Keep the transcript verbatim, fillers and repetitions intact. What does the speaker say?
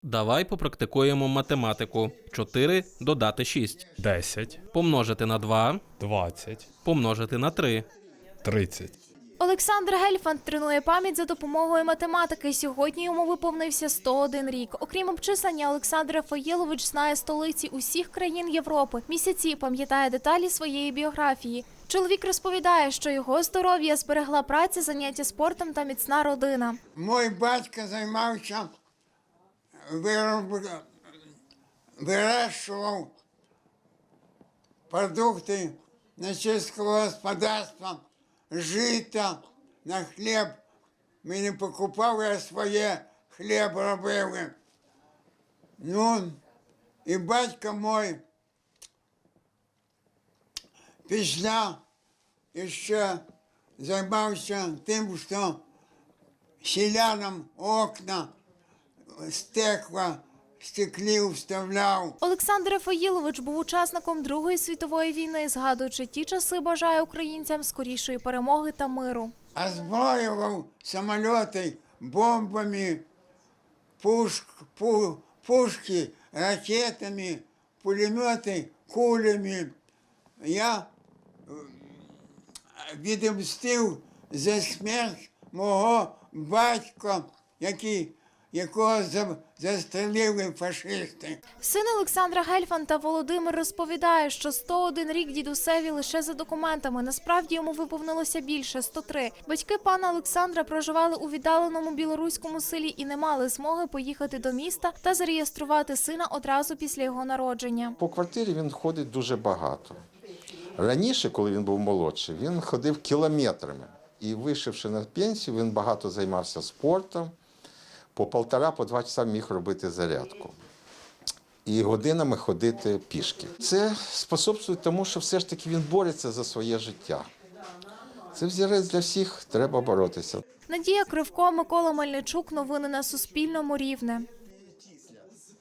Давай попрактикуємо математику. чотири додати шість. десять, Помножити на два. двадцять, Помножити на три. тридцять. Олександр Гельфанд тренує пам'ять за допомогою математики. Сьогодні йому виповнився сто один рік. Окрім обчислення, Олександр Рафаїлович знає столиці усіх країн Європи. Місяці пам'ятає деталі своєї біографії. Чоловік розповідає, що його здоров'я зберегла праця, заняття спортом та міцна родина. Мой батько займався, вироб... вирощував продукти на сільського господарства, жито на хліб. Ми не покупали, а своє хліб робили. Ну, і батько мой після ще займався тим, що селянам окна, стекла, стеклів вставляв. Олександр Рафаїлович був учасником Другої світової війни. Згадуючи ті часи, бажає українцям скорішої перемоги та миру. Озброював самоліти бомбами, пушк, пу, пушки ракетами, пулемети кулями. Я відомстив за смерть мого батька, який, якого застрелили фашисти. Син Олександра Гельфанда Володимир розповідає, що сто один рік дідусеві лише за документами. Насправді йому виповнилося більше – сто три. Батьки пана Олександра проживали у віддаленому білоруському селі і не мали змоги поїхати до міста та зареєструвати сина одразу після його народження. По квартирі він ходить дуже багато. Раніше, коли він був молодший, він ходив кілометрами. І вийшовши на пенсію, він багато займався спортом. По півтора, по два часа міг робити зарядку. І годинами ходити пішки. Це способствує тому, що все ж таки він бореться за своє життя. Це взірець для всіх, треба боротися. Надія Кривко, Микола Мельничук. Новини на Суспільному. Рівне.